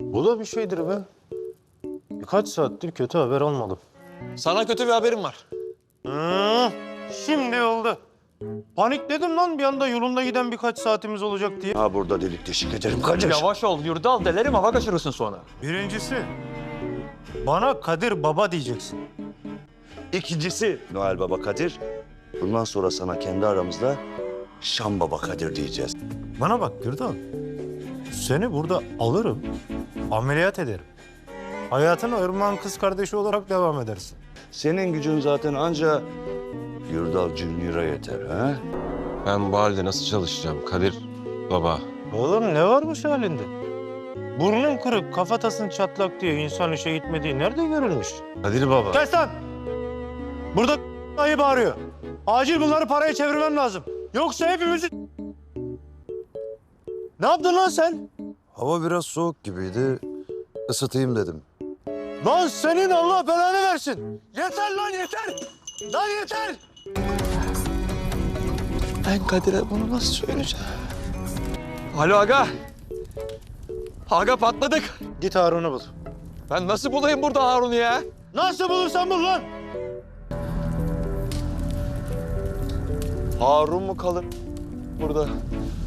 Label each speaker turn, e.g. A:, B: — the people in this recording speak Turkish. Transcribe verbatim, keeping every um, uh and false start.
A: Bu da bir şeydir be. Birkaç saattir kötü haber almadım.
B: Sana kötü bir haberim var.
A: Hı, şimdi oldu. Panikledim lan bir anda yolunda giden birkaç saatimiz olacak diye.
C: Ha burada delik deşik ederim kardeş.
B: Yavaş ol, Yurdal. Delerim, hava kaçırırsın sonra.
A: Birincisi, bana Kadir Baba diyeceksin.
C: İkincisi Noel Baba Kadir. Bundan sonra sana kendi aramızda Şam Baba Kadir diyeceğiz.
A: Bana bak Gürdal. Seni burada alırım, ameliyat ederim. Hayatına Irmak'ın kız kardeşi olarak devam edersin.
C: Senin gücün zaten anca Yurdal Junior'a yeter ha?
D: Ben bu halde nasıl çalışacağım Kadir baba?
A: Oğlum ne varmış halinde? Burnun kırık, kafatasın çatlak diye insan işe gitmediği nerede görülmüş?
D: Kadir baba.
A: Kes lan! Burada ayı bağırıyor. Acil bunları paraya çevirmem lazım. Yoksa hepimizi... Ne yaptın lan sen?
E: Hava biraz soğuk gibiydi. Isıtayım dedim.
A: Lan senin Allah belanı versin. Yeter lan yeter. Lan yeter.
B: Ben Kadir'e bunu nasıl söyleyeceğim? Alo aga. Aga patladık.
A: Git Harun'u bul.
B: Ben nasıl bulayım burada Harun'u ya?
A: Nasıl bulursan bul lan.
B: Harun mu kalır burada?